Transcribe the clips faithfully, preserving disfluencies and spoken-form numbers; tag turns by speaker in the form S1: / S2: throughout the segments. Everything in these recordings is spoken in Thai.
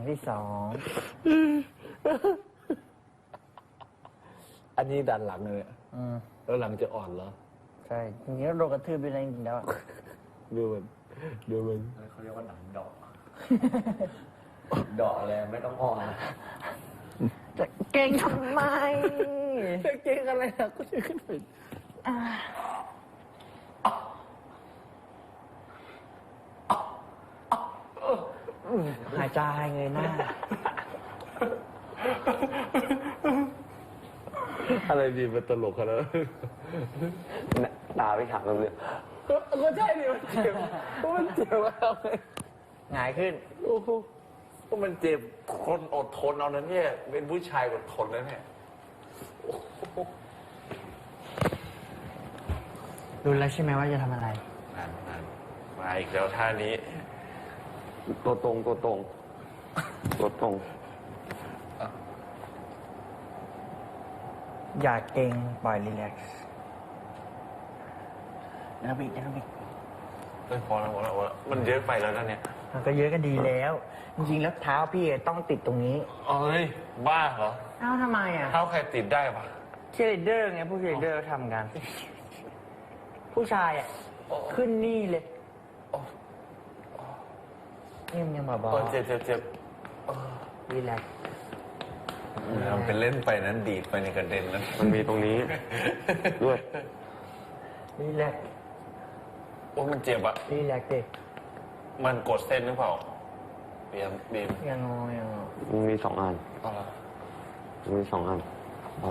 S1: ที่สอง
S2: อันนี้ดันหลังเลย
S1: อืม
S2: แล้วหลังจะอ่อนเหรอ
S1: ใช่จริงๆแล้วโดนกระทืบไปแล้วจริงๆแล้ว
S2: ดูมันดูมัน
S3: เขาเรียกว่าหนังดอก ดอกอะไรไม่ต้องอ่อน
S1: จะเก่งทำไม
S2: จะเก่งอะไรนะก็จะขึ้นไป
S1: หายใจเงยหน้า
S2: อะไรดีมันตลกขนาดนั้น
S3: ตาไปถักกันเลย
S2: ก็ใช่ดิมันเจ็บมันเจ็บแล้วไง
S1: หงายขึ้น
S2: โอ้โหก็มันเจ็บคนอดทนเอานั้นเนี่ยเป็นผู้ชายอดทนแล้วเนี่ย
S1: รู้แล้วใช่ไหมว่าจะทำอะไร
S2: นั่นนั่นมาอีกแล้วท่านี้
S3: ตัวตรงตัวตรงตัวตรง
S1: อย่าเก่งปล่อยรีแลกซ์นะบิดนะบิด
S2: เฮ้ยพอแล้วพอแล้วพอแล้วมันเยอะไปแล้วนะเนี่ย
S1: มันก็เยอะก็ดีแล้ว จริงๆแล้วเท้าพี่ต้องติดตรงนี้
S2: เอ้ยบ้าเหรอ
S1: เอ้าทำไมอ่ะ
S2: เท้าใครติดได้ปะ
S1: เชียร์ลีดเดอร์ไงผู้เชียร์ลีดเดอร์ทำกัน ผู้ชายอ่ะ ขึ้นนี่เลยนี่มันยังเบา
S2: เออเจ็บเจ็บเจ็บ
S1: ๆรีแลกซ์
S2: ทำเป็นเล่นไปนั้นดีดไปในกระเด็นนั้น
S3: มันมีตรงนี้ด้วย
S1: รีแลกซ์
S2: โอ้มันเจ็บอะ
S1: รีแลกซ์ดิ
S2: มันกดเส้นหรือเปล่าเบียมบีม
S1: ยังงอยังงอ
S3: มันมีสองอัน
S2: เอาละ
S3: มันมีสองอันอ่า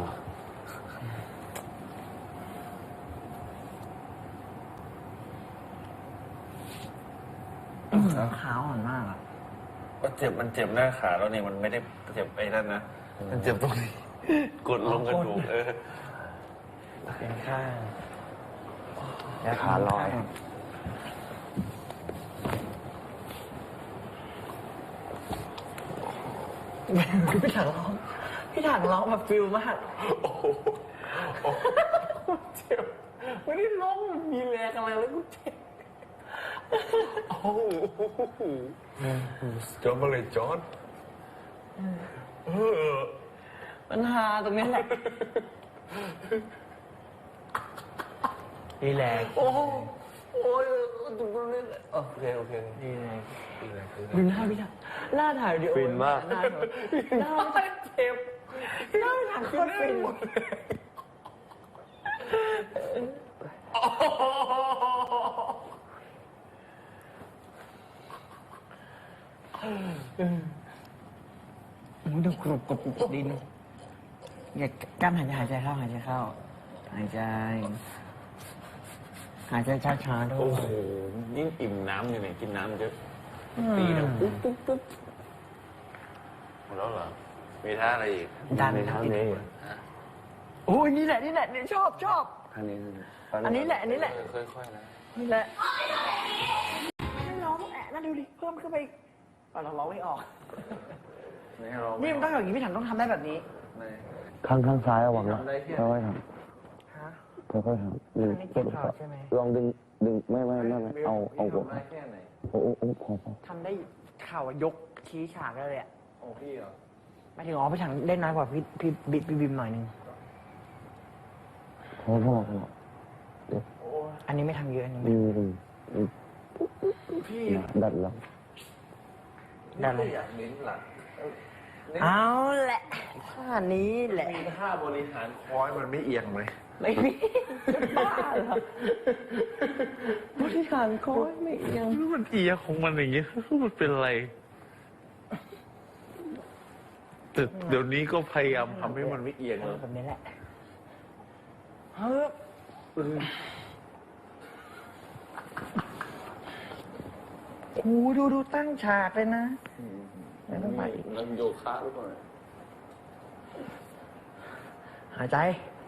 S1: ขาวอ่อนมากอ่ะ
S2: ก็เจ็บมันเจ็บหน้าขาแล้วเนี่ยมันไม่ได้เจ็บไอ้นั่นนะมันเจ็บตรงนี้ กดลงกระดูกเออ
S1: เป็นข้าง
S3: ขาลอย
S1: พี่ถังร้องพี่ถังร้องแบบฟิลมาก
S2: โอ้โหโอ้โหเจ็บไม่ได้ร้องมันมีแรงอะไรแล้วกูเจ็บโอ้โหจอดมาเลยจอดเออ
S1: ปัญหาตรงนี้แหละรีแลกซ์
S2: โอ้โหโอ้ยตรงนี้เลยโอเคโอเค
S1: รีแลกซ์
S2: ดีเลยดี
S1: ดู
S2: เลย
S1: หน้าพี่ถังหน้าถ่ายวิดีโอ
S3: ฟินมาก
S1: หน้าหน้าเจ็บหน้าพี่ถังโคตรฟิน มึงดูกรุบกรุบกรุบดินอย่ากล้ามหายใจหายใจเข้าหายใจเข้าหายใจหายใจช้าๆด้ว
S2: โอ้
S1: ย
S2: โหยิ่งอิ่มน้ำอยู่เนี่ยกินน้ำเยอะตีนะปุ๊บปุ๊บปุ๊บหมดแล้วเหรอมีท่าอะไรอีก
S1: ดัน
S3: ใน
S1: นะ
S3: เท้า
S1: พี่
S3: นี้
S1: โอ้ยนี่แหละนี่แหละนี่ชอบชอบ
S3: ท่านี้
S1: อันนี้แหละอันนี้แหละ
S2: เออค่อยๆนะ
S1: นี่แหละไม่ร้องแอะน่าดูดิเพิ่มขึ้นไปอีกป่ะเราร้องไม่ออก
S2: ไม่ให้ร้อง
S1: นี่มันต้องอย่างนี้พี่ถังต้องทำได้แบบนี้
S2: ไม่
S3: ข้างข้างซ้ายระวังนะค่อยๆท
S1: ฮะ
S3: ำค่อยๆทำดึง
S1: อันนี้เจ็บเข่าใช่ไหม
S3: ลองดึงดึงไม่ไม่ไม่ไม่เอาเอาหัว
S2: ได้แค่ไหน
S3: โอ้โอ้โอ้พอพอ
S1: ทำได้เข่ายกชี้ฉากได้เลยอะ
S2: โอ้พี่เหรอ
S1: ไม่ถึงอ๋อพี่ถังเล่นน้อยกว่าพี่พี่บิ๊กพี่บิมหน่อยนึง
S3: พอพอพอ
S1: อันนี้ไม่ทำเยอะอันนี้ไม่
S3: อืมอืมอืม
S2: พี่
S3: ดัดแล้ว
S1: ได้เลย
S2: อยากเน้นหลัง
S1: เอาแหละท่านี้แหละ
S2: มีท่าบริหารคอยมันไม่เอียงไหม
S1: ไม่มีจะบ้าเหรอบริหารคอยไม่เอียง
S2: มันเอียงของมันอย่างเงี้ยมันเป็นอะไรแต่เดี๋ยวนี้ก็พยายามทำให้มันไม่เอียง
S1: เอ
S2: แล้
S1: อ
S2: ว
S1: แบบนี้แหละเฮ้ยโอ้ดูดูตั้งฉากเลยนะไม่ต้องไปอีก
S2: แล้วโยคะหรือเปล่า
S1: หายใจ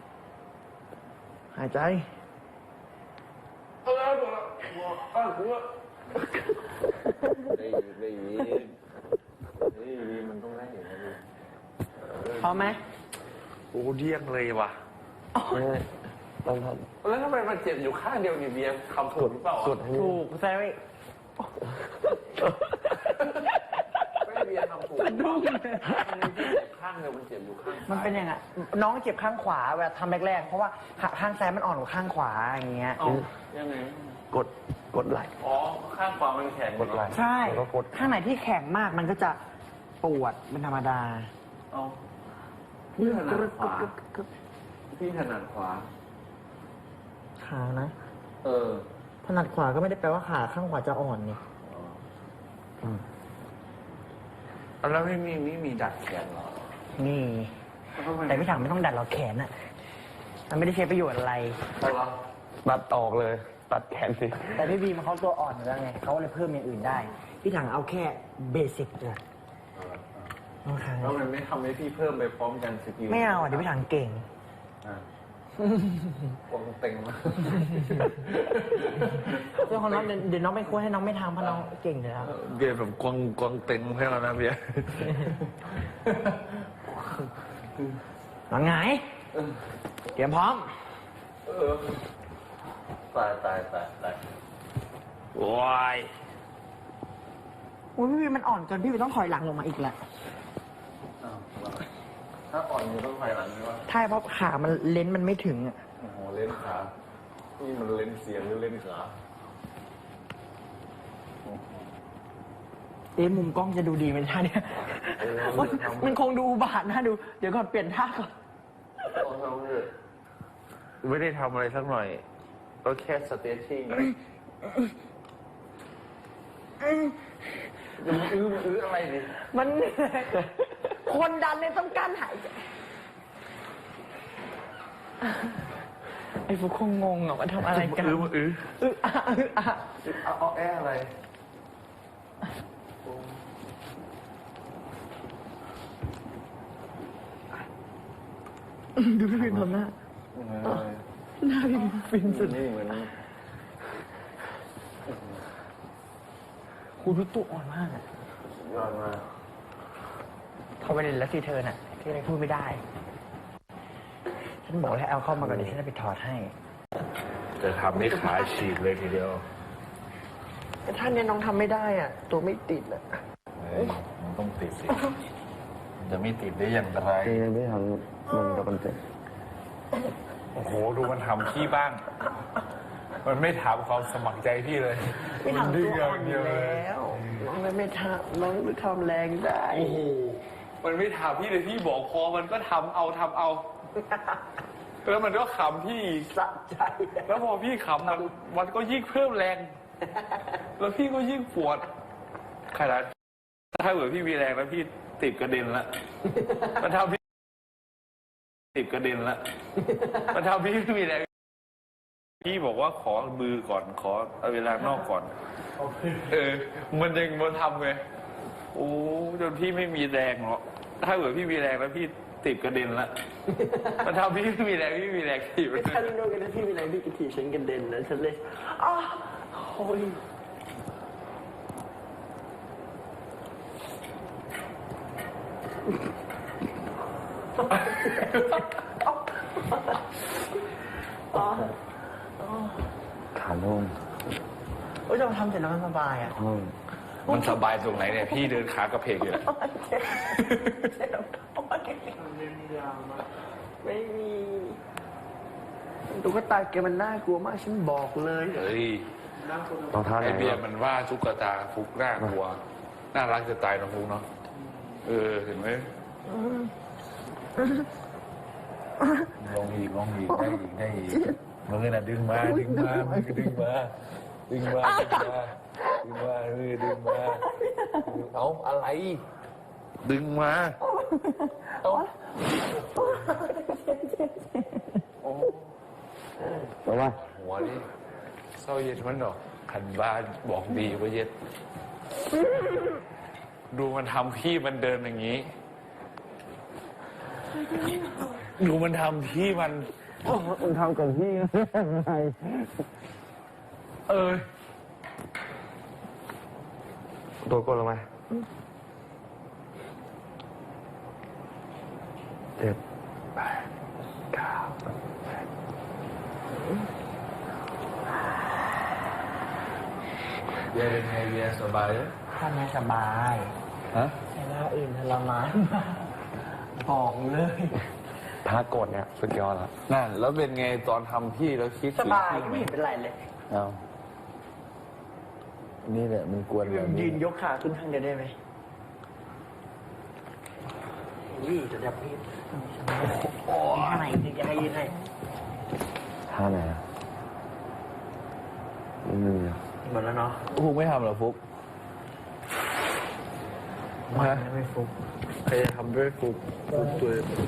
S1: หายใจ
S2: เอาแล้วเอาแล้วเอาแล้วได้ยินได้ยินได้ยินมันต้องได้เห็นนะดิ
S1: พร้อมไหม
S2: โอ้เดี้ยงเลยว่ะ
S3: ไม่ต้องท
S2: แล้วทำไมมันเจ็บอยู่ข้างเดียวนี่เบียร์คำถูกหรือเปล่า
S3: ำกดให้
S1: ถูกแซวอีก
S2: ไม่เบียร์ทำถูก
S1: สะดุ้ง
S2: มันไม่ใช่เจ็บข้างเดียวมันเจ็บอยู่ข้างซ้าย
S1: มันเป็นยังไงน้องเจ็บข้างขวาเวลาทำแรกๆเพราะว่าขาข้างซ้ายมันอ่อนกว่าข้างขวาอย่างเงี้ย
S2: เอ้ายังไง
S3: กดกดไหล
S2: อ๋อข้างขวามันแข็ง
S3: กดไหล่
S1: ใช่
S3: แล้วก็กด
S1: ข้างไหนที่แข็งมากมันก็จะปวดเป็นธรรมดา
S2: เอ้าพี่ถนัดขวาพี่ถนัดขวา
S1: ขานะ
S2: เออ
S1: ถนัดขวาก็ไม่ได้แปลว่าขาข้างขวาจะอ่อนนี่
S2: แล้วไม่มีไม่มีดัดแขนเหรอ
S1: นี่ แต่พี่ถังไม่ต้องดัดหรอกแขนอะมันไม่ได้ใช้ประโยชน์อะไร
S2: เอาเหรอ
S3: ตัดออกเลย ตัดแขนสิ
S1: แต่พี่บีมเขาตัวอ่อนอยู่แล้วไงเขาเลยเพิ่มอย่างอื่นได้ พี่ถังเอาแค่เบสิกเลย
S2: เออ
S1: โอเค
S2: แล้วมันไม่ทำให้พี่เพิ่มไปพร้อมกันสกิล
S1: ไม่เอาอ่ะเดี๋ยวพี่ถังเก่ง
S2: อ่ะวงเต็งมาก
S1: เรื่องของน้องเดี๋ยวเดี๋ยวน้องไม่ควรให้น้องไม่ทำเพราะน้องเก่งอยู่แล้ว
S2: เบียร์แบบกวงกวงเต็งให้เรานะเบียร์
S1: น้องไงเตรียมพร้อม
S2: เออตายตายตายตาย
S1: โอ้ยโอ้ยพี่บีมมันอ่อนเกินพี่บีมต้องถอยหลังลงมาอีกแหละ
S2: อ้าวถ้าอ่อนอยู่ต้องถอยหลังใช่ปะ
S1: ใช่เพราะขามันเลนส์มันไม่ถึงอ่ะ
S2: โอ้โหเล่นขานี่มันเล่นเสียงหรือเล่นขา
S1: เอ๊ะมุมกล้องจะดูดีไหมท่าเนี่ยมันมันคงดูอุบาทนะดู เดี๋ยวก่อนเปลี่ยนท่าก่อน
S2: ต้องทำเลยไม่ได้ทำอะไรสักหน่อยก็แค่สเตชชิ่งจะมาอื้อมาอื้ออะไรดิ
S1: มันเหนื่อยคนดันเนี่ยต้องการหายใจไอ้พวกคงงงอ่ะว่าทำอะไรกัน
S2: อื้อมาอื้อ
S1: อึอะอึอะ
S2: เอาเอาแออะไร
S1: ดูพี่พิมพ์ทำหน้าหน้าพี่พิมพ์ฟินสุด
S2: นี่เหมือน
S1: คูทุกตัวอ่อนมากอ่ะ
S2: ยอดมาก
S1: เขาไปเรียนแล้วสิเธอน่ะ ที่อะไรพูดไม่ได้ ฉันบอกให้เอาเข้ามาก่อนเดี๋ยวฉันจะไปถอดให้
S2: จะทำให้ขาฉีกเลยทีเดียว
S1: แต่ท่านเนี่ยน้องทำไม่ได้อ่ะ ตัวไม่ติดอ่ะ
S2: เฮ้ยมันต้องติดสิมันจะไม่ติดได้อย่างไร
S3: จริงไม่ทำมันจะเป็นเจ็บ
S2: โอ้โห ดูมันทำพี่บ้าง มันไม่ถามความสมัครใจพี่เลย
S1: ไม่
S2: มัน
S1: ทำ
S2: ดื้
S1: ตั
S2: อ
S1: ว
S2: อ
S1: อ่อน
S2: ย่าง
S1: อ
S2: เดียวเลย
S1: ยู่แล้วน้องเลยไม่ทำน้องไม่ทำแรงได้
S2: โอ้โห มันไม่ถามพี่เลยพี่บอกพอมันก็ทำเอาทำเอา แล้วมันก็ขำพี่
S1: สะใจ
S2: แล้วพอพี่ขำมันมันก็ยิ่งเพิ่มแรง แล้วพี่ก็ยิ่งปวดขนาดถ้าเกิดพี่มีแรงแล้วพี่ติดกระเด็นละมันทำพี่ติดกระเด็นละมันทำพี่ไม่มีแรงพี่บอกว่าขอมือก่อนขอเอาเวลานอกก่อนเออ มันยังมันทำไงโอ้จนพี่ไม่มีแรงหรอกถ้าเกิดพี่มีแรงแล้วพี่ติดกระเด็นละมันทำพี่ไม่มีแรงพี่มีแรงถีบ
S1: ฉันรู้กันนะพี่มีอะไรพี่กระถีฉันกระเด็นนะฉันเลยอ้าวโอ้ยอ๋อ
S3: ขาโล่ง
S1: โอ้ยเราทำเสร็จแล้วมันสบายอ่ะ
S3: ห้อง
S2: มันสบายตรงไหนเนี่ยพี่เดินขากระเพกอยู่
S1: เจ็บโอ๊ยไม่มีตุ๊กตาแกมันน่ากลัวมากฉันบอกเลย
S2: เฮ้ย
S3: รองเท้าไหน
S2: ไอเบียร์มันว่าตุ๊กตาฟุกน่ากลัว น่ารักจะตายนะฟุกเนาะ เออ เห็นไหมลองอีกลองอีกได้อีกได้อีกมันก็น่ะดึงมาดึงมามันก็ดึงมาดึงมาดึงมาดึงมาเออดึงมาเอาอะไร ดึงมาเอาโอ้
S3: แต่ว่า
S2: หัวนี่เศร้าเย็นมันดอกขันบ้านบอกดีว่าเย็นดูมันทำพี่มันเดินอย่างนี้ ดูมันทำพี่มัน
S3: มันทำกับพี่ไง
S2: เออ
S3: ตัวกดลงมาเจ็ดแปดเก้า
S2: เบียร์เป็นไงเบียร์สบายไหม
S1: ท่านไม่สบาย
S2: ฮะ
S1: แต่ว่าอื่นรมานมากบอกเลย
S4: ถ้ากดเนี่ยสุดยอดแล้ว
S2: นั่นแล้วเป็นไงตอนทำพี่แล้วคิด
S1: ส
S2: ถึง
S1: บาย
S2: พี่
S1: ก็
S2: ไหม
S1: ไม่เห็นเป็นไรเลย
S3: เอานี่แหละมันกวนแบบ
S1: ยื
S3: นี้
S1: นยกขาขึ้นข้างเดียวได้ไหมอุ้ยจะจับพี่โอ้ท่าไหนถึงจะให้ยืนให้
S4: ท่าไหนอะไม่มีอะ
S1: หมดแล้วเนาะ
S3: ฟุกไม่ทำเหรอฟุก
S1: มาไม่ฟุก
S2: ใครจะทำด้วยฟุกฟุกตัว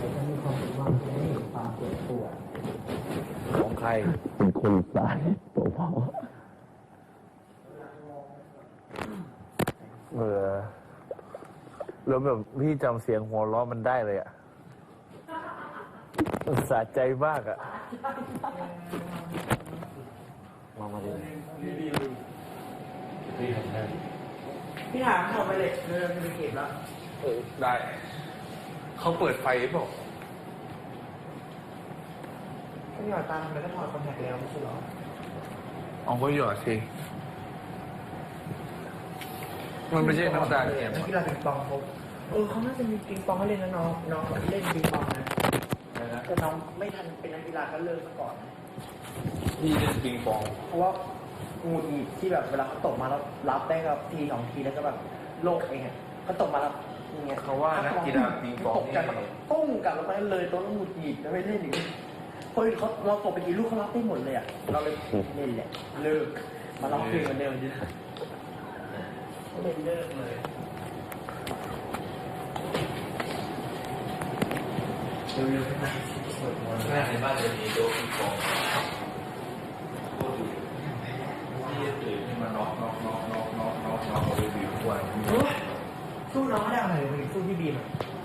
S3: ของใคร
S4: เป็นคนสายเบา
S2: เออแล้วแบบพี่จำเสียงหัวเราะมันได้เลยอ่ะมันสะใจมากอ่ะ
S3: มามาดิ
S1: พี่ถามทำไปเลยเริ่มจะไปเก็บแล้ว
S2: เออได้ เขาเปิดไฟหรือเปล่า
S1: พี่หยอดตาทำไมก็ถอดคอนแทคแล้วไม่ใช่หรอ
S2: เอาก็หยอดสิ มันไม่ใช่น้ำตาเทียม
S1: นักกีฬาปิงปองเขาเออเขาน่าจะมีปิงปองให้เล่นนะน้องน้องเล่นปิงปองนะแต่น้องไม่ทันเป็นนักกีฬาก็เลิกซะก่อนนะ
S2: พี่เล่นปิงปอง
S1: เพราะว่างูหงิดที่แบบเวลาเขาตกมาแล้วรับได้กับทีสองทีแล้วก็แบบโลกเองอ่ะเขาตกมาแล้วอย่างเงี้ย
S2: เขาว่านักกีฬาปิงปอง
S1: ตก
S2: นี่
S1: กันแล้วก็ปุ้งกลับลงไปเลยตัวแล้วหงุดหงิดแล้วไม่เล่นอีกพอเขาเราตกไปกี่ลูกเขารับได้หมดเลยอ่ะเราเลยเล่นแหละเลิกมาลองเพลงเหมือนเดิมดิเล่นเลิกเลยเร็วๆขึ้นมาสวดมนต์
S2: แม่ในบ้านจะมีโต๊ะปิงปองโคตรดีพี่จะตื่นขึ้นมาน็อกน็อกน็อกน็อกน็อกน็อกน็อกเอาไปวิวทุกวัน
S1: โอ้ยสู้น้องไม่ได้อะไรเลยสู้พี่บีมอะ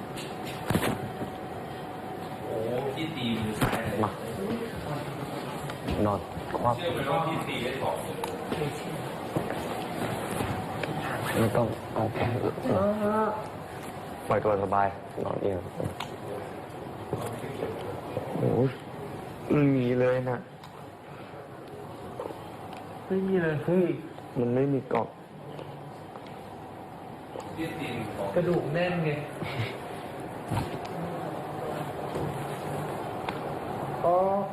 S2: โอ้พี่ตีมือซ้ายเลย
S4: ๆมานอนควัก
S2: เชื่อไหมว่าพี่ตีได้สองมือ
S1: ไม่เชื่อ
S4: ไม่ต้องเอาแค่ปล่อยตัวสบายนอนเองโอ้ยมันมีเลยนะ
S1: ไม่มีเลย
S4: เฮ้ยมันไม่มีกรอบ
S2: พี่ตีมือสอง
S1: กระดูกแน่นไงอ๋อ